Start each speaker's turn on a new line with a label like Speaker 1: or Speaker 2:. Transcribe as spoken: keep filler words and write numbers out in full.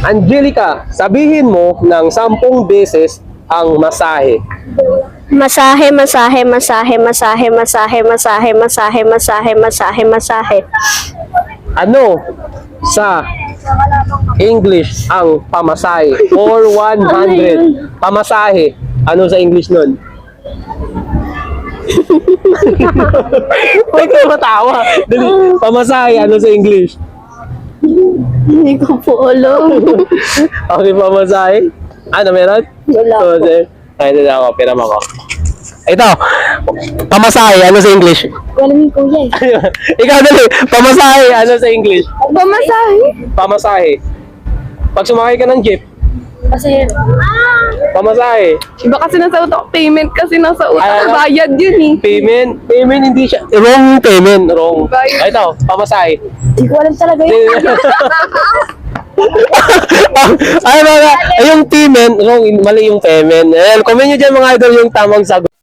Speaker 1: Angelica, sabihin mo ng sampung beses ang masahe.
Speaker 2: Masahe, masahe, masahe, masahe, masahe, masahe, masahe, masahe, masahe, masahe.
Speaker 1: Ano sa English ang pamasahe? For one hundred. Pamasahe. Ano sa English nun? Huwag ka matawa. Dali. Pamasahe. Ano sa English?
Speaker 2: Hindi ko po alam.
Speaker 1: Okay, pamasahe. Ano, meron?
Speaker 2: Wala
Speaker 1: So,
Speaker 2: po.
Speaker 1: sir. Ay, ito ako. Piram ako. Ito. Pamasahe. Ano sa English?
Speaker 2: Wala ni kuya eh.
Speaker 1: Ikaw dali. Pamasahe. Ano sa English?
Speaker 2: Pamasahe?
Speaker 1: Pamasahe. Pag sumakay ka ng jeep,
Speaker 2: Kasi,
Speaker 1: pamasahe.
Speaker 3: Iba kasi nasa utak, payment kasi nasa
Speaker 1: Ay,
Speaker 3: utak,
Speaker 1: ano?
Speaker 3: bayad yun eh.
Speaker 1: Payment. Payment hindi siya. Wrong payment. Wrong.
Speaker 3: Bayad.
Speaker 1: Ay, ito. Pamasahe.
Speaker 2: hindi ko alam talaga yun.
Speaker 1: Ay, mga, ay, yung payment, wrong, mali yung payment. Ayan, comment nyo dyan mga idol yung tamang sagot.